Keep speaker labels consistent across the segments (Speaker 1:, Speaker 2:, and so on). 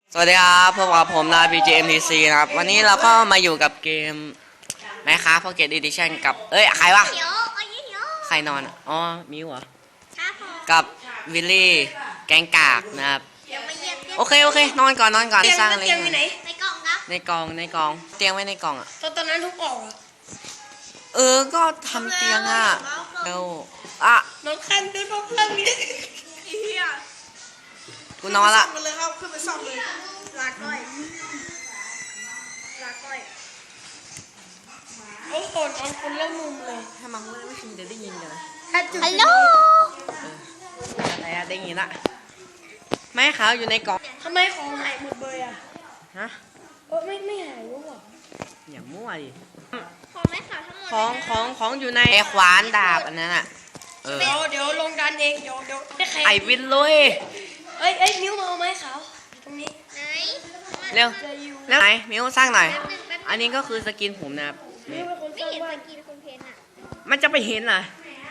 Speaker 1: สวัสดีครับพบกับผมนาย BGMTC นะครับวันนี้เราก็มาอยู่กับเกมMinecraft Pocket Edition กับใครวะใครนอนอ๋อมิวเหรอกับวิลลี่แกงกากนะครับโอเคนอนก่อนสร้างอะไรในกล่องครับในกล่องเตียงไว้ในกล่องอ่ะ
Speaker 2: ตอนนั้นทุกออก
Speaker 1: ก็ทำเตียงอ่ะเร็วอ่ะ
Speaker 2: น้องคันดูน้องคันนี่
Speaker 1: กูนอนละ
Speaker 2: ขึ้นเลยครับขึ้นไปซ่อมเลยลาก้อยเอาโอนเอาคนละมุมเลย
Speaker 1: ถ้ามันไม่ชินจะได้ยินกันนะ
Speaker 2: ฮัลโหล
Speaker 1: อะไรอะได้ยินละไม่ขาวอยู่ในกล่อง
Speaker 2: ทำไมของหายหมดเลยอ่ะ
Speaker 1: ฮะ
Speaker 2: ไม่หายรู้ป่ะ
Speaker 1: อย่ามั่วดิ
Speaker 3: ของไม่ขาวทั้งหมด
Speaker 1: ของอยู่ในขวานดาบอันนั้นอ่ะ
Speaker 2: เดี๋ยวลงดันเองเดี๋ยว
Speaker 1: ไอวินเลย
Speaker 2: มิ้วมาเอาไม้ขาวตรงนี้
Speaker 3: ไหน
Speaker 1: เร็วไหนมิวสร้างหน่อยอันนี้ก็คือสกินผมนะครับ
Speaker 2: มิ้วเป็นคนส
Speaker 3: ไม่
Speaker 2: ร้าง
Speaker 3: เห็น
Speaker 2: บ้า
Speaker 3: ส
Speaker 2: น
Speaker 3: กินคนเพนอ่ะ
Speaker 1: มันจะไปเห็นเหรอ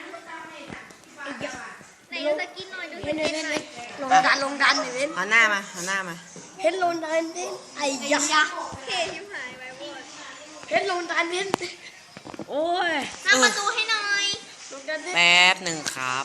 Speaker 3: ไหนดูสกินหน่อยดูสกินหน่อย
Speaker 2: ลงดันหน่อยเว้น
Speaker 1: หันหน้ามา
Speaker 2: เห็นลงดันเว้นไอ้ยะ
Speaker 3: เคชิมหายไปหมด
Speaker 2: เห็นลงดันเว้น
Speaker 1: โอ้ย
Speaker 3: สร้างประตูให้หน่อย
Speaker 2: ลงดันเว้น
Speaker 1: แป๊บหนึ่งครับ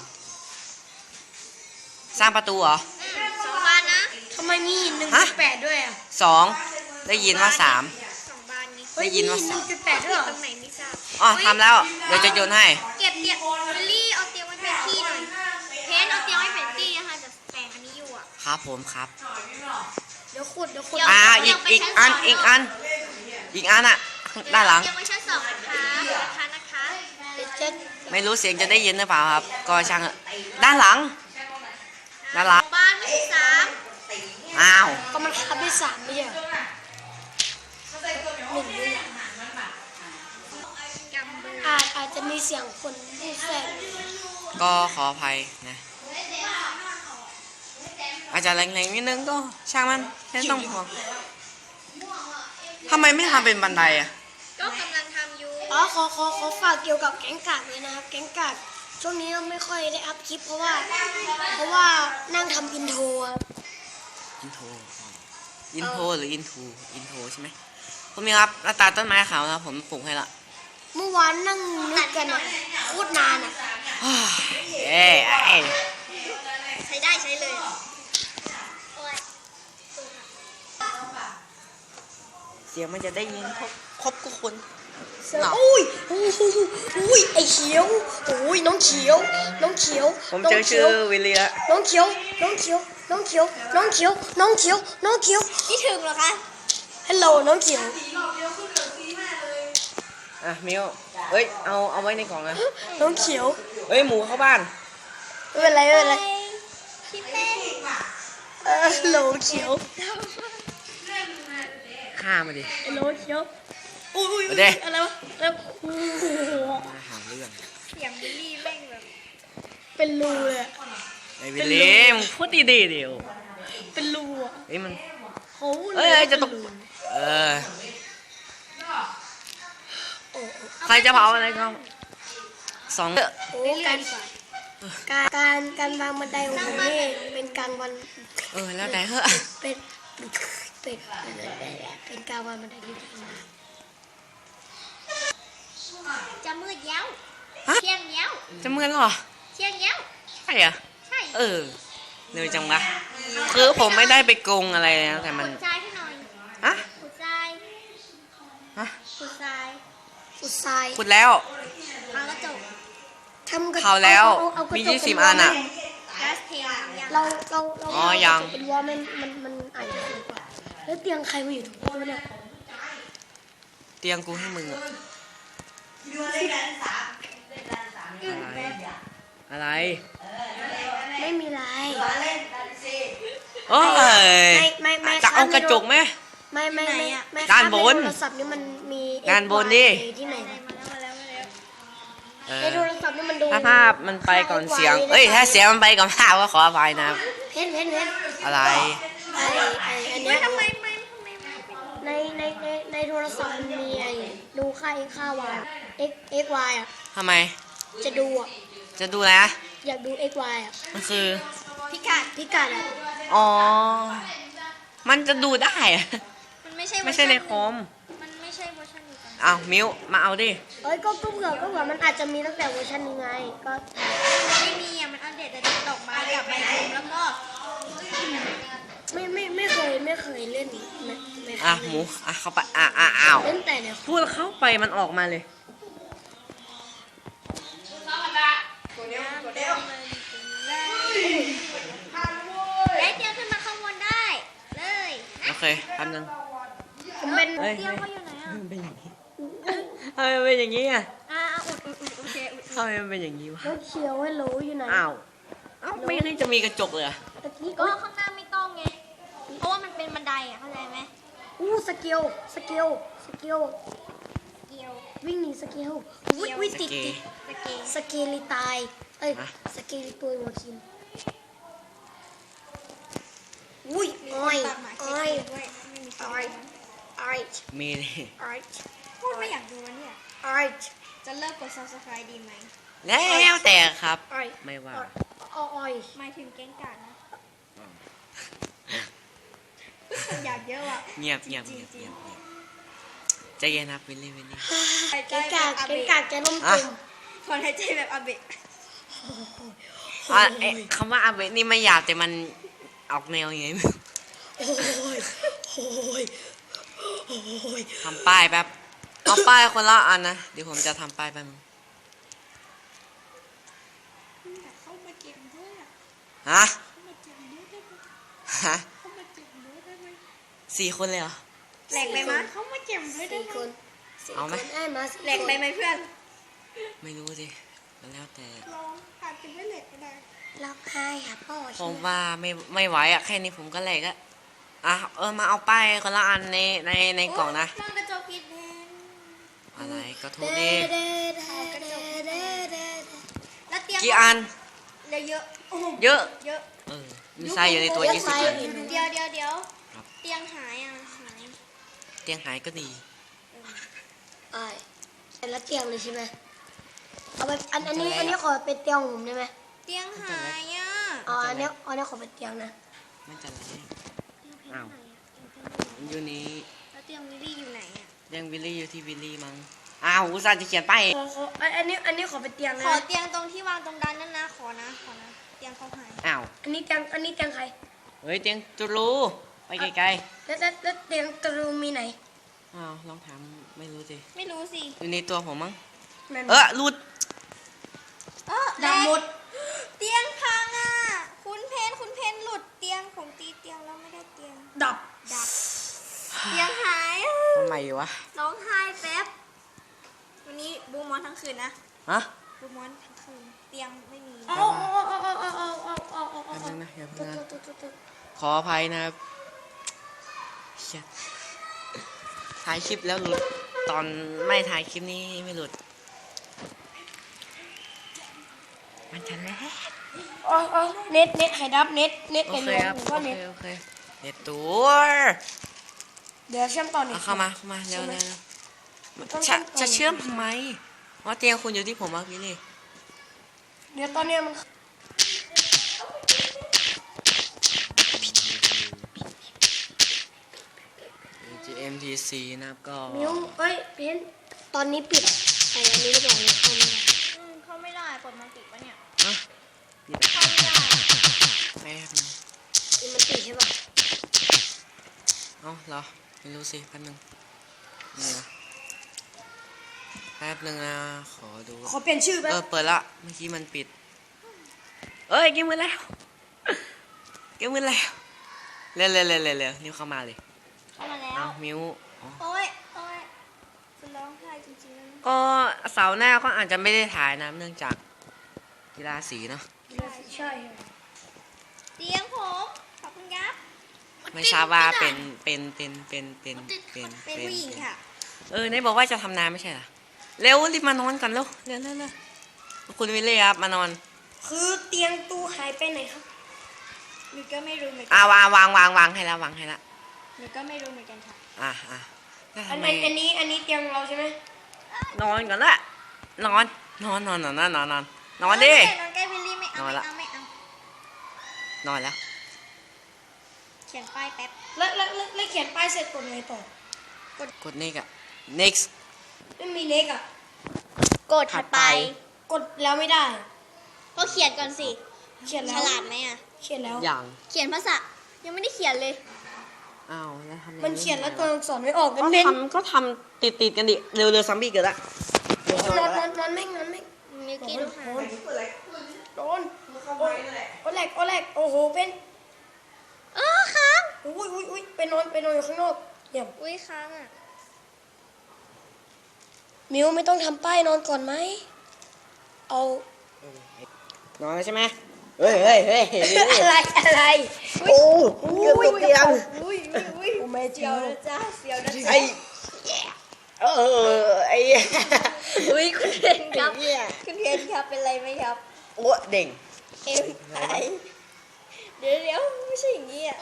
Speaker 1: สร้างประตูเหรอ
Speaker 3: 2 บานนะ
Speaker 2: ทำไมมี1.8ด้วยอ่ะ
Speaker 1: 2ได้ยินว่า3
Speaker 3: 2 บานนี้
Speaker 1: ได้ยินว่า
Speaker 2: 1.8ด้วยเหรอ
Speaker 3: ตรงไหนไม่ทราบ
Speaker 1: อ๋อทำแล้วเดี๋ยวจะโยนให้
Speaker 3: เก็บเตียงวิลลี่เอาเตียงไว้เป็นที่หน่อยเพนเอาเตียงไว้เป็นที่นะคะจะแต่งอันนี้อยู่อ่ะ
Speaker 1: ครับผมครับ
Speaker 2: เดี๋ยวขุด
Speaker 1: อีกอันอ่ะด้านหลัง
Speaker 3: เตียงไว้ชั้น2นะคะ
Speaker 1: ไม่รู้เสียงจะได้ยินหรือเปล่าครับก็ช่างด้านหลัง
Speaker 3: บ้านไม่ใช่3
Speaker 1: อ้าว
Speaker 2: ก็มันคับได้3ไม่ใช่1ด้วยอาจจะมีเสียงคนพูดแทรก
Speaker 1: ก็ขออภัยนะอาจจะแรงๆนิดนึงก็ช่างมันแค่ต้องห่วงทำไมไม่ทำเป็นบันไดอ่ะ
Speaker 3: ก็กำลังทำอยู่
Speaker 2: ขอฝากเกี่ยวกับแก๊งกากเลยนะครับแก๊งกากช่วงนี้ไม่ค่อยได้อัพคลิปเพราะว่านั่งทำอินโทร
Speaker 1: อินโทรหรืออินโทรใช่ไหมผมมีครับแล้วตาต้นไม้ขาวนะผมปลูกให้ละ
Speaker 2: เมื่อวานนั่งนึกกันโคตรนานอ่ะ
Speaker 3: ใช้ได้ใช้เลย
Speaker 1: เสียงมันจะได้ยินครบทุกคน
Speaker 2: อุ้ยไอเขียวอุ้ยน้องเขียว
Speaker 1: ผมเจอชื่อวิลลี่ละ
Speaker 2: น้องเขียว
Speaker 3: คิดถึงเหรอคะ
Speaker 2: ฮัลโหลน้องเขียว
Speaker 1: มิวเอาไว้ในกล่องนะ
Speaker 2: น้องเขียว
Speaker 1: หมูเข้าบ้าน
Speaker 2: ไม่เป็นไร
Speaker 3: คิดเล่น
Speaker 2: ฮัลโหลเขียว
Speaker 1: ฆ่ามาดิ
Speaker 2: ฮัลโหลเขียวอุ้ยอะไรวะแล้ว
Speaker 1: หาเรื่อง
Speaker 3: เสียงวิลลี่แม่งแบบ
Speaker 2: เป็นรูเลย
Speaker 1: ไอ้วิลลี่มึงพูดดีเดี๋ยว
Speaker 2: เป็นรูอ่ะ
Speaker 1: มัน
Speaker 2: จะตก
Speaker 1: ใครจะเผาอะไรก็2
Speaker 2: การวางบันไดของผมนี่เป็นกลางวัน
Speaker 1: แล้วแต่เหอะ
Speaker 2: เป็นการวางบันไดที่ดีมาก
Speaker 3: จะมืดแล้วเที่ยงแล้ว
Speaker 1: จะมืดหรอ
Speaker 3: เที่ยงแล้ว
Speaker 1: ใช่อะ
Speaker 3: ใช่
Speaker 1: เร็วจังวะคือผมไม่ได้ไปโกงอะไรนะแต่มัน
Speaker 3: ขุดทรายให้หน่อยขุดทราย
Speaker 1: ขุดแล้ว
Speaker 3: ทางกระจก
Speaker 1: เผาแล้วมี20 อันอ่ะ
Speaker 2: เรา
Speaker 1: ยัง
Speaker 2: เป็นวอลมันอาจจะสูงกว่าแล้วเตียงใครมาอยู่ตรงนี้เนี่ย
Speaker 1: เตียงกูให้มึงอะอะไร
Speaker 2: ไม่มีไร
Speaker 1: จะเอากระจกไหม
Speaker 2: ไม่
Speaker 1: ด้านบน
Speaker 2: โทรศัพท์นี่มันมี
Speaker 1: ด้านบนดิ
Speaker 2: ที่ไหนในโทรศัพท์นี่มันดู
Speaker 1: ถ้าภาพมันไปก่อนเสียงถ้าเสียงมันไปก่อนภาพก็ขออภัยนะ
Speaker 2: เห็น
Speaker 1: อะไร
Speaker 2: อันนี้
Speaker 3: ทำไม
Speaker 2: ในโทรศัพท์มันมีดูค่าวาย x y อ่ะ
Speaker 1: ทำไม
Speaker 2: จะดูอ่ะ
Speaker 1: จะดูอะไร
Speaker 2: อยากดู x y อ่ะ
Speaker 1: มันคือ
Speaker 2: พิกัดอ่ะ
Speaker 1: อ๋อมันจะดูได้อะ
Speaker 3: มันไม่ใช่
Speaker 1: ไม่ใช่ในคอม
Speaker 3: มันไม่ใช่เวอร์ชันเดียวกัน
Speaker 1: อ้าวมิวมาเอาดิ
Speaker 2: เอ้ยก็เผื่อมันอาจจะมีตั้งแต่เวอร์ชันนี้ไงก็
Speaker 3: ไม่มีอ่ะมันอัปเดตแต่ดอกไม้กับใบบุมแล้วก็
Speaker 2: ไม่เคยเล่นไม่
Speaker 1: อ่ะหมูอ่ะเข้าไปอ้าว
Speaker 2: เล่นแต่เนี่ย
Speaker 1: พูดเข้าไปมันออกมาเลย
Speaker 3: ได้เตียงขึ้นมาข้างบนได้เลย
Speaker 1: โอเคแป๊บนึง
Speaker 2: ผมเป็น
Speaker 1: เฮ้ย
Speaker 3: เตียงเขาอยู่ไหนอ่ะ
Speaker 1: มันเป็นอย่างนี้ทำไมมันเป็นอย่างนี้อ่ะ
Speaker 3: อุดโอเคอุด
Speaker 1: ทำไมมันเป็นอย่างนี้วะ
Speaker 2: รถเขียวให้รู้อยู่ไหน
Speaker 1: อ้าวไม่ได้จะมีกระจกเลยเหรอ
Speaker 2: ตะกี้
Speaker 3: ก็
Speaker 2: ก็
Speaker 3: ข้างหน้าไม่ต้องไง เพราะว่ามันเป็นบันไดอ่ะเข้าใจไหม
Speaker 2: สเกลเกียว
Speaker 3: เกี่ยว
Speaker 2: วิ่งหนีสเกลอุ้ย
Speaker 1: ส
Speaker 2: ติด
Speaker 1: เก
Speaker 3: สเกล
Speaker 2: สเกลิตายเอ้ย
Speaker 1: ฮะ
Speaker 2: สเกลิตัวหัวคิมอุ้ยอ้อย
Speaker 3: ปากหมา
Speaker 2: อ้อย
Speaker 3: ด้วยไม่มี
Speaker 2: อ้อยอ้อย
Speaker 1: มีดิ
Speaker 2: อ้อย
Speaker 3: พูดไม่อยากดูแล้วเนี่ย
Speaker 2: อ้อย
Speaker 3: จะเลิกกด subscribe ดีไหม
Speaker 1: แล้วแต่ครับ
Speaker 2: อ้อย
Speaker 1: ไม่ว่า
Speaker 2: อ้อย
Speaker 3: หมายถึงแก๊งกาดนะอยากเยอะว่ะ
Speaker 1: เงียบเงียบเงียบเงียบใจเย็นนะวิลลี่
Speaker 2: เกงกากแกล้ม
Speaker 1: อ่ะ
Speaker 2: ตุ่ม
Speaker 3: ถอนหายใจแบบอาเบะ
Speaker 1: คำว่าอาเบะนี่ไม่หยาบแต่มันออกแนวยังไงไม่รู้
Speaker 2: โอ้ยโอ้ยโอ้ย
Speaker 1: ทำป้ายแป๊บเอาป้ายคนละอันนะเดี๋ยวผมจะทำป้ายแป๊บนึง
Speaker 3: เข้ามาเก็บด้วยอ่ะ
Speaker 1: ฮะ
Speaker 3: เข้ามาเก็บด้วยได้ไหม
Speaker 1: ฮะ
Speaker 3: เข้ามาเก็บด้วยได้ไหม
Speaker 1: 4 คนเลยเหรอ
Speaker 3: แหลกไปมั้ยเข้ามาเก็บด้วยได้
Speaker 2: สี่
Speaker 3: ไหม
Speaker 2: คนสี่
Speaker 1: เอาไหม
Speaker 2: คนได้มาสี่
Speaker 3: แหลกไปไหมเพื่อน
Speaker 1: ไม่รู้สิก็แล้วแต่
Speaker 3: ลองอาจจะไม่แหลกก็ได้
Speaker 2: ล็อกให้ค่ะพ่อ
Speaker 1: ผมว่าไม่ไหวอะแค่นี้ผมก็แหลกอะอ่ะมาเอาป้ายคนละอันในกล่องนะ
Speaker 3: มองกระจกผิดแทน
Speaker 1: อะไรก็ทุ
Speaker 2: เด้
Speaker 1: กดิ
Speaker 3: แล้วเตียง
Speaker 1: กี่อัน
Speaker 3: เดี๋ยวเยอะโอ้โห
Speaker 1: เยอะ
Speaker 3: เยอะ
Speaker 1: มีไส้อยู่ในตัว20 อัน
Speaker 3: เดี๋ยว
Speaker 1: ครับ
Speaker 3: เตียงหายอ่ะหาย
Speaker 1: เตียงหายก็ดี
Speaker 2: ไอ้เป็นละเตียงเลยใช่ไหมเอาไปอันนี้ขอเป็นเตียงผมได้ไหม
Speaker 3: เตียงหายอ่ะ
Speaker 2: อ๋ออันนี้ขอเป็นเตียงนะ
Speaker 1: มันจะไรอ้าวมันอยู่นี่
Speaker 3: แล้วเตียงวิลลี่อยู่ไหนอ่ะ
Speaker 1: เตียงวิลลี่อยู่ที่วิลลี่มั้งอ้าวอุตส่าห์จะเขียนป้าย
Speaker 2: อันนี้ขอเป็นเตียง
Speaker 3: ขอ
Speaker 2: นะ
Speaker 3: เตียงตรงที่วางตรงด้านนั้นนะขอนะเตียงเขาหาย
Speaker 1: อ้าว
Speaker 2: อันนี้เตียงใคร
Speaker 1: เฮ้ยเตียงจุลูไปไกล
Speaker 2: แล้วเตียงตรูมีไหน
Speaker 1: ๆอ้าวลองถามไม่รู้สิ
Speaker 3: ไม่รู้สิ
Speaker 1: อยู่ในตัวผมมั้ง
Speaker 2: นั่น
Speaker 1: หลุด
Speaker 2: ดำหมด
Speaker 3: เตียงพังอ่ะคุณเพนหลุดเตียงผมตีเตียงแล้วไม่ได้เตียง
Speaker 2: ดับ
Speaker 3: ดับเตียงหายอ่ะ
Speaker 1: ทำไมวะ
Speaker 3: ร้องไห้แป๊บวันนี้บูมอนทั้งคืนนะ
Speaker 1: ฮะ
Speaker 3: บูมอนทั้งคืนเตียงไม่มี
Speaker 2: เอา
Speaker 1: แป๊บนึงนะอย่าเพิ่งนะขออภัยนะครับเชี่ยถ่ายคลิปแล้วหลุด ตอนไม่ถ่ายคลิปนี้ไม่หลุด มันจะแลก
Speaker 2: เน็ตไข่ดับเน็ต
Speaker 1: โอ
Speaker 2: ไข่
Speaker 1: เค
Speaker 2: ดั
Speaker 1: ครับ
Speaker 2: บ
Speaker 1: โอ
Speaker 2: ว่า
Speaker 1: เค
Speaker 2: เน็ต
Speaker 1: โอเคเน็ตตัว
Speaker 2: เดี๋ยวเชื่อมต่อเน็ต
Speaker 1: เอาเข้ามาเร็วจะเชื่อมทำไมว่าเตียงคุณอยู่ที่ผมอะพี่นี่
Speaker 2: เดี๋ยวตอนนี้มัน
Speaker 1: GMTC นะครับก็
Speaker 2: มิวเพนตอนนี้ปิดไอ้อันนี้หรือเปล่าเนี่ยเข้าไม่ได้
Speaker 3: เข้าไม่ได้กดมันติดปะเนี่ย
Speaker 1: อ่ะปิด
Speaker 3: เข้าไม่ได้
Speaker 1: แป๊บนึง
Speaker 2: นี่มันติดใช่ป่ะ
Speaker 1: เอ้าเหรอไม่รู้สิแป๊บนึงนี่นะแป๊บนึงนะขอดู
Speaker 2: ขอเปลี่ยนชื่อแป๊บ
Speaker 1: เปิดละเมื่อกี้มันปิดเอ้ยเกมมือแล้วเกมมือแล้วเร็วนิ้วเข้ามาเลย
Speaker 3: เข้ามาแล้ว
Speaker 1: เอามิวอ๋อ
Speaker 3: โอ้ยจะร้องไห้จริงๆแล้วนะ
Speaker 1: ก็เสาร์หน้าก็อาจจะไม่ได้ถ่ายนะเนื่องจากกีฬาสีเนาะ
Speaker 2: ใช่
Speaker 3: เตียงผมขอบคุณครับ
Speaker 1: ไม่ทราบว่าเป็น
Speaker 3: ผู้หญิงค่ะ
Speaker 1: ไหนบอกว่าจะทำนาไม่ใช่เหรอเร็วรีบมานอนก่อนเร็วคุณวิลเลียครับมานอน
Speaker 2: คือเตียงตู้หายไปไหนครับ
Speaker 3: หนูก็ไม่รู้เหมือนกั
Speaker 1: วางให้แล้ววางให้แล้ว
Speaker 3: หนูก็ไม่รู้เหมือนกันค่ะ
Speaker 1: แล้ว
Speaker 2: อั
Speaker 1: ทำ
Speaker 2: น
Speaker 1: ไม
Speaker 2: นี้เตียงเราใช่ไหม
Speaker 1: นอนก่อนละนอนดิ
Speaker 3: นอนใกล้วิลลี่ไม่เอา
Speaker 1: นอนละ
Speaker 3: ไม่เอา
Speaker 1: นอนแล้ว
Speaker 3: ขียนป้ายแป๊บ
Speaker 2: แล้วเขียนป้ายเสร็จกดไงต่อก
Speaker 1: ด next อ่ะ next
Speaker 2: ไม่มีเล็กอ่ะ
Speaker 3: กดถัดไป
Speaker 2: กดแล้วไม่ได้
Speaker 3: ก็เขียนก่อนสิ
Speaker 2: เขียน
Speaker 3: ฉ
Speaker 2: แล้ว
Speaker 3: ลาดไหมอ่ะ
Speaker 2: เขียนแล้ว
Speaker 1: อย่าง
Speaker 3: เขียนภาษายังไม่ได้เขียนเลย
Speaker 1: อ้าวแล้วทำยังไง
Speaker 2: มันเขียนแล้วตัวอักษรไม่ออก
Speaker 1: ก็
Speaker 2: เน้น
Speaker 1: ทำติดกันดิเร็วๆซัมบี้เกิดละ
Speaker 2: นอนแม่ง
Speaker 3: มิวกี้ดูค่ะ
Speaker 2: โดนโอแหลกโอ้โหเป็น
Speaker 3: ค้าง
Speaker 2: อุ้ยไปนอนอยู่ข้างนอกเยี่ยม
Speaker 3: อุ้ยค้างอ่ะ
Speaker 2: มิวไม่ต้องทำป้ายนอนก่อนไหมเอา
Speaker 1: นอนแล้วใช่ไหมเฮ้ย
Speaker 2: อะไร
Speaker 1: โอ้เกือบตกเตียง
Speaker 3: อุ้ย
Speaker 2: โอ้แม่เจียว
Speaker 3: จ้าเสียวนะ
Speaker 1: ไอ้ไอ้
Speaker 3: อุ้ยคุณเทนครับคุณเทนครับเป็นไรไหมครับ
Speaker 1: โอ้เด่ง
Speaker 3: เอ็มไอเดี๋ยวไม่ใช่อย่างนี้อ่ะ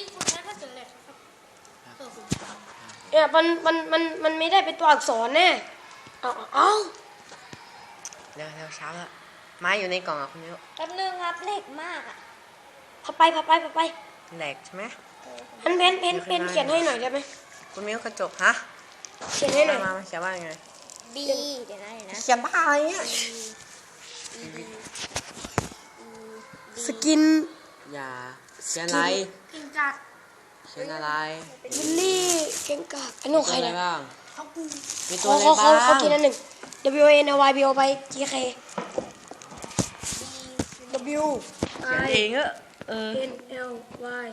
Speaker 2: เนี่ยมันไม่ได้เป็นตัวอักษรแน่เอา
Speaker 1: เร็วเช้าแล้วไม้อยู่ในกล่องอ่ะคุณมิ้ว
Speaker 3: แป๊บนึงครับเล็กมากอ่ะ
Speaker 2: พาไป
Speaker 1: แหลกใช่ไหม
Speaker 2: เพนเขียนให้หน่อยได้ไหม
Speaker 1: คุณมิ้วกระจกฮะ
Speaker 2: เขียนให้หน่อย
Speaker 1: มาเขียนว่ายังไง
Speaker 3: บีเดี๋ยวนะ
Speaker 1: เขียนบ้าอะไรเนี่ย
Speaker 2: สกิน
Speaker 1: อย่าเขียนอะไร
Speaker 2: กินกัด
Speaker 1: เขียนอะไร
Speaker 2: บิลลี่เก่งกาดอันนี้ของใคร
Speaker 1: มีตัวอะไร
Speaker 2: นะ
Speaker 1: บ้างมี
Speaker 2: ข
Speaker 1: ตัว
Speaker 2: อ
Speaker 1: อะไร
Speaker 2: ขอ
Speaker 1: บ้าง
Speaker 2: ขอกินอันหนึ่ง W A N Y B O ไป G K W
Speaker 1: เขียนเอง
Speaker 2: N L Y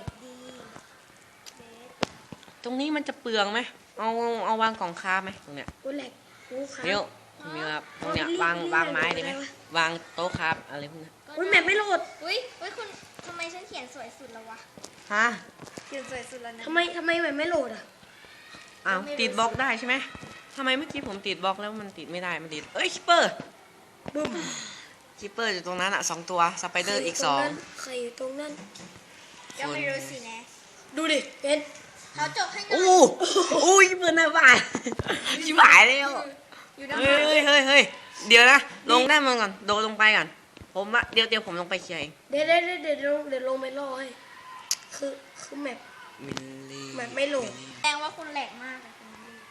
Speaker 1: ตรงนี้มันจะเปลืองไหมเอาวางกล่องค้าไหมตรงเนี้ย
Speaker 2: กูแหลกกูขา
Speaker 1: มิ้วคุณมิ้วครับตรงเนี้ยวางไม้ดีไหมวางโต๊ะครับอะไรพวกนี้
Speaker 2: อุ้ยแมปไม่โหลด
Speaker 3: อุ้ยคุณทำไมฉันเขียนสวยสุดแล้ววะ
Speaker 1: ฮะ
Speaker 3: เขียนสวยสุดแล้วนะ
Speaker 2: ทำไมแมปไม่โหลดอ่ะ
Speaker 1: อ้าวติดบล็อกได้ใช่ไหมทำไมเมื่อกี้ผมติดบล็อกแล้วมันติดไม่ได้มันติดคิปเปอร์
Speaker 2: บึ้ม
Speaker 1: คิปเปอร์อยู่ตรงนั้นอ่ะ2 ตัวสไปเดอร์อีก2
Speaker 2: ใครอยู่ตรงนั้น
Speaker 3: ก็ไม่รู้สินะ
Speaker 2: ดูดิเป็น
Speaker 3: เขาจบให้หน่
Speaker 1: โอ้
Speaker 3: อย
Speaker 1: อุ้ยเปิดหน้าบ้านชิบหายแล้ว
Speaker 3: อยู่ด้าน
Speaker 1: เฮ้ยเดี๋ยวนะลงได้มันก่อนโดดลงไปก่อนผมว่าเดี๋ยวผมลงไปเคลียร์เอง
Speaker 2: เดี๋ยวลงไปรอให้คือแมป
Speaker 1: วิลลี่
Speaker 2: มันไม่โหลด
Speaker 3: แสดงว่าคุณแหลกมากอะคุณ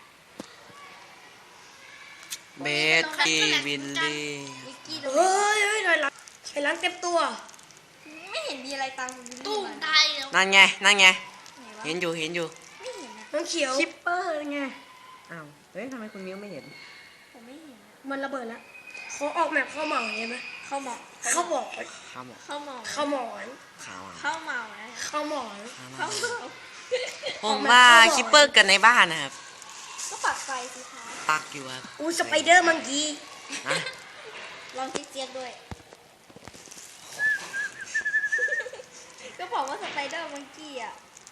Speaker 1: เบสกี้วิลลี่
Speaker 3: วิกกี้ตรง
Speaker 2: เฮ้ยถอยหลังเต็มตัว
Speaker 3: ไม่เห็นมีอะไรตามคุณวิลลี่
Speaker 2: ตุ้ม
Speaker 3: มา
Speaker 2: ตายแล้ว
Speaker 1: นั่นไง
Speaker 3: ไหนวะ
Speaker 1: เห็นอยู่
Speaker 3: ไม่เห็นอะ
Speaker 2: น้องเขียว
Speaker 1: คิปเปอร์ไงอ้าวเฮ้ยทำไมคุณมิ้วไม่เห็น
Speaker 3: ผมไม่เห็นอะ
Speaker 2: มันระเบิดแล้วเขาออกแมปเข้าเหมาใช่ไหม
Speaker 3: เข้าหมอก
Speaker 2: เข้าบอก
Speaker 1: ข้าวหมก
Speaker 3: เข้าหมอก
Speaker 2: เข้าหมอน
Speaker 1: ขาวอ่ะ
Speaker 3: เข้าเมานะ
Speaker 2: เข้าหมอน
Speaker 3: เข้าเมา
Speaker 1: ผมว่าคิปเปอร์เกิดในบ้านนะครับ
Speaker 3: ก็ปักไฟสิคะ
Speaker 1: ปักอยู่ครับ
Speaker 2: อู้สไปเดอร์มังกี้
Speaker 1: นะ
Speaker 3: ลองเจี๊ยบด้วย ก็บอกว่าสไปเดอร์มังกี้อ่ะ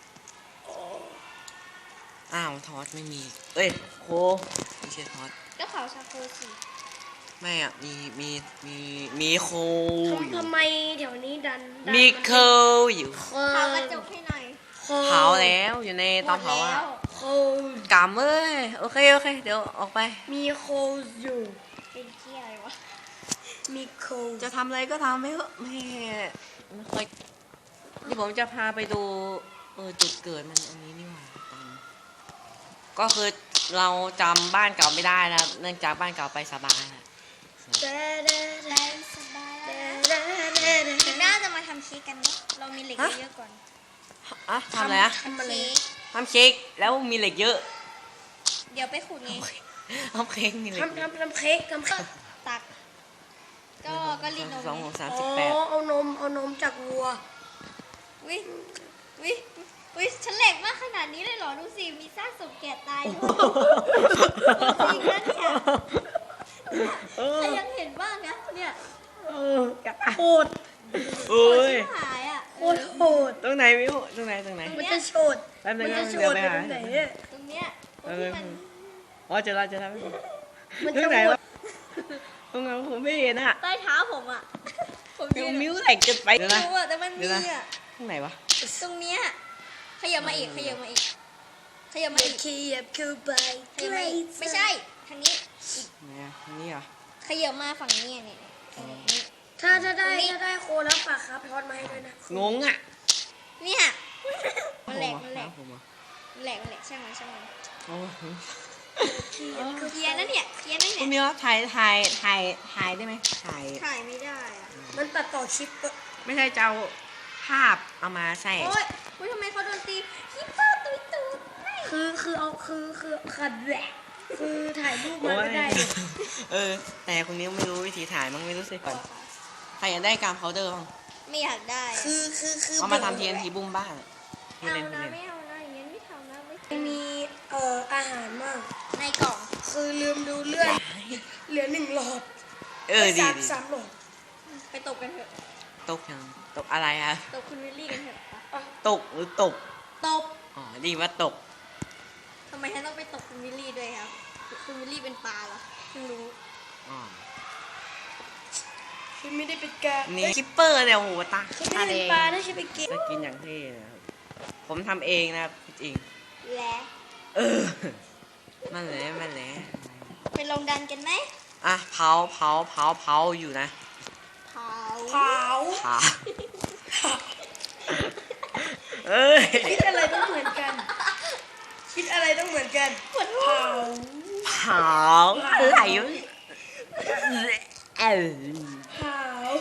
Speaker 1: อ้าวทอสไม่มีเอ้ยโคไม่ใช่ทอส
Speaker 3: ก็เผาชาโคสิ
Speaker 1: ไม่อ่ะมีโคอยู่
Speaker 2: ทำไมแถวนี้ดัน
Speaker 1: มีโคอยู่
Speaker 3: เผากระจกให้หน่อย
Speaker 1: เผาแล้วอยู่ในเตาเผาอ่ะ
Speaker 3: หมดแล้ว
Speaker 2: โค
Speaker 1: กำเอ้ยโอเคเดี๋ยวออกไป
Speaker 2: มีโคอยู่
Speaker 3: เป็นเที่ยอะไรวะ
Speaker 2: มีโค
Speaker 1: จะทำอะไรก็ทำไปเถอะไม่ค่อยที่ผมจะพาไปดูจุดเกิดมันอันนี้นี่หว่าก็คือเราจำบ้านเก่าไม่ได้นะครับเนื่องจากบ้านเก่าไปสบายนะ
Speaker 2: เด้อเด้อเด้อ
Speaker 3: ได้สบาย
Speaker 2: เด้
Speaker 3: แล้ว
Speaker 2: อเด้อเด้อ
Speaker 3: ถึงน่าจะมาทำเค้กกันเนอะเรามีเหล็กเยอะๆก่อน
Speaker 1: อะทำอะไรอะ
Speaker 2: ทำอะไร
Speaker 3: เค้ก
Speaker 1: ทำเค้กแล้วมีเหล็กเยอะ
Speaker 3: เดี๋ยวไปขุดไง
Speaker 1: ทำเค้กมีเหล็ก
Speaker 2: ทำเค้กทำเค้ก
Speaker 3: ตัก ก็รีดนม
Speaker 1: สองหก
Speaker 3: ไง
Speaker 1: สาม
Speaker 2: อ๋
Speaker 1: สิบ
Speaker 2: อ
Speaker 1: แปด
Speaker 2: เอานมจากวัว
Speaker 3: วิวิวิฉันเหล็กมากขนาดนี้เลยเหรอ ดูสิ มีซากศพแก่ตายด้วยจริงนะเนี่ยใครยังเห็นบ้างนะเนี่ย
Speaker 2: โหด
Speaker 1: โอ้ย
Speaker 3: หายอ่ะ
Speaker 2: โคตรโหด
Speaker 1: ตรงไหนมิวตรงไหน
Speaker 2: มันจะโฉด
Speaker 1: แป๊บนึ
Speaker 2: มั
Speaker 1: ง
Speaker 2: น
Speaker 1: นะ
Speaker 2: จะโฉ
Speaker 1: เดี๋ยว
Speaker 2: ด
Speaker 1: ไป
Speaker 2: ไป
Speaker 1: หา
Speaker 2: ตรงไหนเนี่ย
Speaker 3: ตรงเนี้ยตรงที่มัน
Speaker 1: อ๋อเจอแล้ว
Speaker 2: มัน
Speaker 1: ตร
Speaker 2: จะ
Speaker 1: งไหน
Speaker 2: โหด
Speaker 1: วะตรงไหนวะผมไม่เห็นอะ
Speaker 3: ใต้เท้าผมอ่ะ ผม
Speaker 1: มิ
Speaker 3: ยื
Speaker 1: วน มิวเหล็กเกินไปเดี๋ยวนะ
Speaker 3: รู้อ่ะแต่มันมีอ่ะ
Speaker 1: ตรงไหนวะ
Speaker 3: ตรงเนี้ยขยับมาอีก ขยับมาอีก ขยับมาอีก
Speaker 2: ขยับเข้าไป
Speaker 3: ขยับมาอีก ไม่ใช่ ทางนี้
Speaker 1: ไหนอะตรงนี้เหรอ
Speaker 3: ขยับมาฝั่งนี้อ่ะเนี่ยนี่
Speaker 2: ถ้าได้โคแล้วฝากครับทอดมาให้ด้วยนะ
Speaker 1: งงอะ
Speaker 3: เนี่ยมันแหลกมันแหลก
Speaker 1: ผมเหรอ
Speaker 3: มันแหลกมันแหลกช่างมันช่างมัน
Speaker 1: โอ้โห
Speaker 3: เคลียร์นะเนี่ยเคลียร์นะ
Speaker 1: คุ
Speaker 3: เนี่ย
Speaker 1: ณมิวถ่ายได้ไหมถ่าย
Speaker 3: ถ่ายไม่ได้อะ
Speaker 2: มันตัดต่อคลิป
Speaker 1: ไม่ใช่จะเอาภาพเอามาใส่
Speaker 3: โอ๊ยทำไมเขาโดนตีฮิปเปอร์ตุยตุยไม่
Speaker 2: คือขัดแหละคือถ่ายรูปมาก็ได้เลย
Speaker 1: แต่คุณนิ้วไม่รู้วิธีถ่ายมั้งไม่รู้สิก่อนใครอยากได้การพาวเดอร์บ้าง
Speaker 3: ไม่อยากได้อะ
Speaker 2: คือ
Speaker 1: เอามาทำ TNT บุ้มบ้างพูด
Speaker 3: เอา
Speaker 1: เล่นพูด
Speaker 3: นะ
Speaker 1: เล่น
Speaker 3: ไม่เอานะอย่างนี้นไม่ทำนะไม่
Speaker 2: มีอาหารมาก
Speaker 3: ในกล่อง
Speaker 2: คือลืมดูเลือดเหลือ1 หลอด
Speaker 1: ดี
Speaker 2: สามหลอด
Speaker 3: ไปตบกันเถอะ
Speaker 1: ตกยังตกอะไรอะ
Speaker 3: ตบคุณวิลลี่กันเถอะไป
Speaker 1: ตกหรือตก
Speaker 3: ตบ
Speaker 1: อ๋อดีว่าตก
Speaker 3: ทำไมฉันต้องไปตบคุณวิลลี่ด้วยครับคุณวิลลี่เป็นปลาเหรอเพิ่งรู้
Speaker 1: อ๋อ
Speaker 2: คือไม่ได้เป็นการ
Speaker 1: นี่คิปเปอร์เนี่ยโอ้โหตา
Speaker 2: คือ
Speaker 1: ตา
Speaker 2: ไม่ได้
Speaker 1: แด
Speaker 2: เป็น
Speaker 1: ง
Speaker 2: ปลานะใช่ไปเก็บ
Speaker 1: จะกินอย่างเท่นะครับผมทำเองนะครับจริง
Speaker 3: และ
Speaker 1: มันแหละ
Speaker 3: ไปลงดันกันไหม
Speaker 1: อ่ะเผาอยู่นะ
Speaker 3: เผา
Speaker 2: เผา
Speaker 1: เผาเอ้ย
Speaker 2: คิดอะไรต้องเหมือนกัน คิดอะไรต้องเหมือนกันเผา
Speaker 1: เผาอะไรวะเออ
Speaker 2: เผา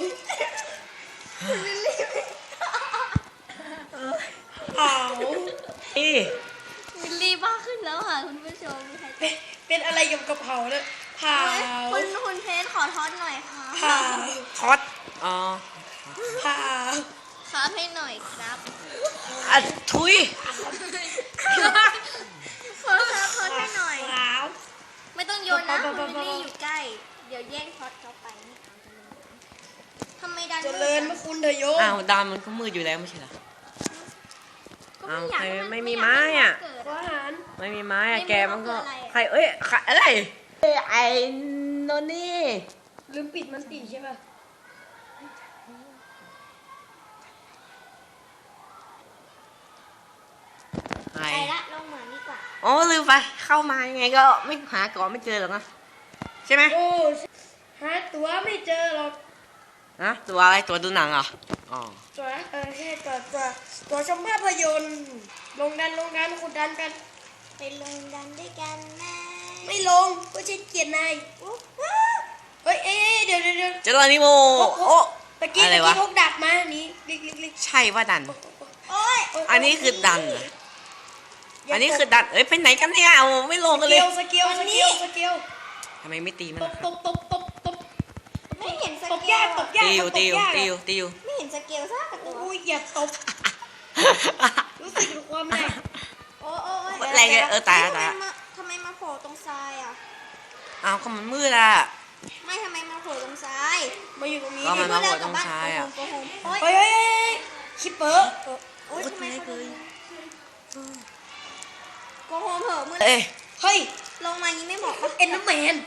Speaker 2: เผา
Speaker 1: นี่
Speaker 3: วิลลี่บ้าขึ้นแล้วค่ะคุณผู้ชมมีใคร
Speaker 2: เป็นอะไรเกี่ยวกับเผาเลยเผา
Speaker 3: คุณเพชรขอทอดหน่อยค่ะ
Speaker 2: เผา
Speaker 1: คอสอ๋อ
Speaker 2: เผา
Speaker 3: ครับให้หน่อยครับ
Speaker 1: อ่ะทุย
Speaker 3: ขอครับทอดให้หน่อย
Speaker 2: เผา
Speaker 3: ไม่ต้องโยนนะคุณวิลลี่อยู่ใกล้ เดี๋ยวแย่งทอดเขาไปไม่เอาทำไมดัน
Speaker 2: เจริญพระคุณเถอะโยม
Speaker 1: อ้าวดำมันก็มืดอยู่แล้วไม่ใช่เหรอ
Speaker 3: ก็ไม่อยากให้น
Speaker 1: ไม่มีไม้อะ
Speaker 3: เกิด
Speaker 2: ขออาหาร
Speaker 1: ไม่มีไม้อะ
Speaker 3: ไม่รู้
Speaker 1: แกมันก็
Speaker 3: ว่าคืออะไรอะ
Speaker 1: ใครอะไรไอ้โนนี่
Speaker 2: ลืมปิดมันติใช่ป่ะ
Speaker 1: ใคร
Speaker 3: ไปละลงเหมือนดีกว่า
Speaker 1: อ๋อลืมไปเข้ามายังไงก็ไม่หาก่อนไม่เจอหรอกนะใช่ไหม
Speaker 2: โอ้หาตัวไม่เจอหรอก
Speaker 1: นะตัวอะไรตัวดูหนังเหรออ๋อ
Speaker 2: ตัวแค่ตัวชมภาพยนตร์ลงดันขุดดันกัน
Speaker 3: ไปลงดันด้วยกันนะ
Speaker 2: ไม่ลงก็ใช่เกียรตินายเฮ้ยเดี๋ยว
Speaker 1: เจอนิโมโอ้
Speaker 2: ตะกี้
Speaker 1: อะไรวะ
Speaker 2: พกดักมานี่ลิก
Speaker 1: ใช่ว่าดัน
Speaker 3: โอ๊ย
Speaker 1: อันนี้คือดันเหรออันนี้คือดันไปไหนกันเนี่ยโอ้ไม่ลงกันเลย
Speaker 2: สเกล
Speaker 1: ทำไมไม่ตีมัน
Speaker 2: ต
Speaker 1: ล่ะ
Speaker 2: บ
Speaker 1: ครับ
Speaker 2: ตบ
Speaker 3: ไม่เห็นส
Speaker 2: ตบ
Speaker 3: เก
Speaker 2: ยา
Speaker 3: ล
Speaker 2: กต
Speaker 3: อะ
Speaker 2: บยาก
Speaker 1: ติว
Speaker 3: ไม่เห็นสเกลสักตัว
Speaker 2: อุ้ยอย่าตบรู้สึกถึงความแรง
Speaker 3: โอ้โอ้
Speaker 1: อะไรเนี่ยตายแล้ว
Speaker 3: ทำไมมาโผล่ตรงทรายอ่ะ
Speaker 1: อ้าวก็มันมืดอ่ะ
Speaker 3: ไม่ทำไมมาโผล่ตรงทราย
Speaker 2: มาอยู่ตรงนี้
Speaker 1: ก็มันมาโผล่ตรง
Speaker 3: บ้าน
Speaker 1: ทรายอะ
Speaker 3: โกหกโอ๊ย
Speaker 2: เฮ้ยคิปเปอร์
Speaker 3: โอ๊ยทำไมเขาโกหกเหอะมือ
Speaker 1: เอ้ย
Speaker 2: เฮ้ย
Speaker 3: ลงมาอย่างนี้ไม่เหมาะปะ
Speaker 2: เอ็นน้ำแมน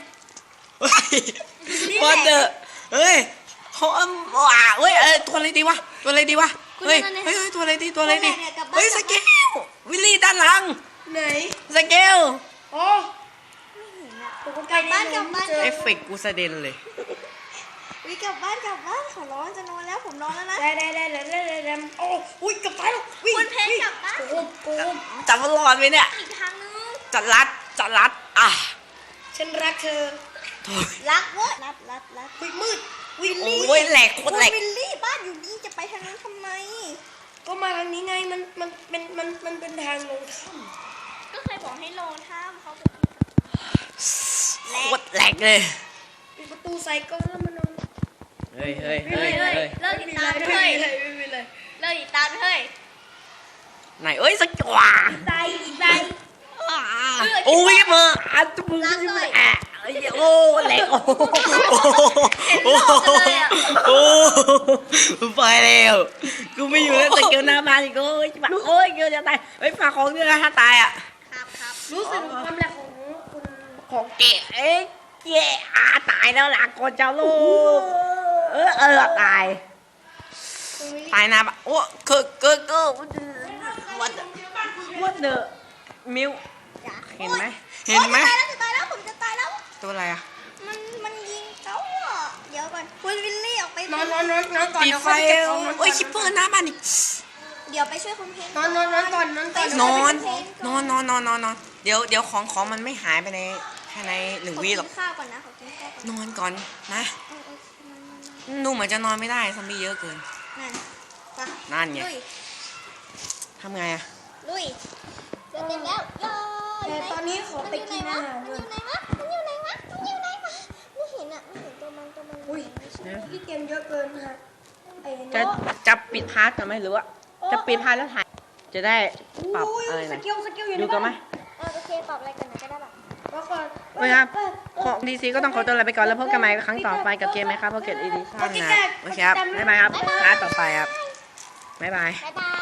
Speaker 1: วันเดอร์เฮ้ยเขาว้าเฮ้ยตัวอะไรดีวะเฮ้ยตัวอะไรดีเฮ้ยสเกลวิลลี่ด้านหลัง
Speaker 2: ไหน
Speaker 1: สเกล
Speaker 2: อ๋อ
Speaker 3: ไม่เห็นอะ
Speaker 2: ผมก็
Speaker 3: กลับบ้านกลับบ้าน
Speaker 1: เอฟเฟกต์กูสะเด็นเลย
Speaker 3: วิกลับบ้านขอร้องจะนอนแล้วผมนอนแล้วนะ
Speaker 2: ได้โอ้อุ้ยกลับไปแล้ววิ่ง
Speaker 3: คุณเพชรกลับบ้าน
Speaker 2: โกง
Speaker 1: จับมันรอดไหมเนี่ย
Speaker 3: อีกทางนึง
Speaker 1: จัดรัดอ่ะ
Speaker 2: ฉันรักเธอ
Speaker 3: รักเว้ยรัด
Speaker 2: อุ้ยมืดวิล
Speaker 1: โอ
Speaker 2: ลี่
Speaker 1: ้ยแหลกโคตรแหลก
Speaker 3: วิลลี่บ้านอยู่นี่จะไปทางนั้นทำไม
Speaker 2: ก็มาทางนี้ไงมันเป็นทางลงถ้ำ
Speaker 3: ก็เคยบอกให้ลงถ้ำเขาบอก
Speaker 1: โคตรแหลกเลย
Speaker 2: ปิดประตูใส่กล้องแล้วมันนอน
Speaker 1: เฮ้ย
Speaker 3: เลิกติดตามเฮ้ย
Speaker 2: ไม่เป็นไร
Speaker 3: เลิกติดตามเฮ้ย
Speaker 1: ไหนเอ้ยสกว่า
Speaker 3: ใจใจ
Speaker 1: โอ้ยมาอันตุ้มโอ้แหลกโอ้ไปแล้วกูไม่อยู่แล้วสเกลหน้าบ้านอีกโอ้ยเกลจะตายเฮ้ยฝากของด้วยนะถ้าตายอ่ะ
Speaker 3: ครับ
Speaker 2: รู้สึกถึงความแรงของคุณ
Speaker 1: ของเก๋เก๋ตายแล้วล่ะก่อนจะลูกตายนะโอ้ก็what the มิวเห็นไหม
Speaker 3: จะตายแล้วผมจะตายแล้ว
Speaker 1: ตัวอะไรอ่ะ
Speaker 3: มันยิงเขาอ่ะเดี๋ยวก่อนคุณวิลลี่ออกไป
Speaker 2: นอนก่อน
Speaker 1: ปิดไฟโอ้ยคิปเปอร์หน้าบ้านอีก
Speaker 3: เดี๋ยวไปช่วยคุณเพน
Speaker 2: นอนก่อนนอนก่อน
Speaker 1: นอนเดี๋ยวของมันไม่หายไปในภายใน1 วิหรอก
Speaker 3: ขอกินข้าวก่อนนะขอกินข้าวก่อน
Speaker 1: นอนก่อนนะ
Speaker 3: นอน
Speaker 1: ดูเหมือนจะนอนไม่ได้ซอมบี้เยอะเกิน
Speaker 3: นั่นไป
Speaker 1: นั่นไง
Speaker 3: ลุย
Speaker 1: ทำไงอะ
Speaker 3: ลุยเสร็จเต็มแล้วเลย
Speaker 2: แต่ตอนนี้ขอไปกินอาหาร
Speaker 3: มัน
Speaker 2: ก่
Speaker 3: อ
Speaker 2: อน
Speaker 3: ยู่ไหนวะมันอยู่ไหนวะมันอยู่ไหนวะไม่เห็นอ่ะไม่เห็นตัวมัน
Speaker 2: อุ้ยพี่เกมเยอะเกินนะฮะไอ้
Speaker 1: จะ
Speaker 2: โน้
Speaker 1: จะปิดพาร์ทกันไหมหรือว่าจะปิดพาร์ทแล้วถ่ายจะได้ปรับอะไร
Speaker 2: ส
Speaker 1: นะ
Speaker 2: กิลอยู่ใน
Speaker 1: ดูกันไหม
Speaker 3: โอเคตอบอะไรกันนะก็ได้แบบ
Speaker 2: แล้วก่อน
Speaker 1: โอเคครับของดีซีก็ต้องขอตัวลาไปก่อนแล้วพบกันใหม่ครั้งต่อไปกับเกมไหมครับโปเกตอีดิชั่นนะโอเคครับบ๊ายบายครับพาร์ทต่อไปครับบ๊ายบาย
Speaker 3: บ๊ายบาย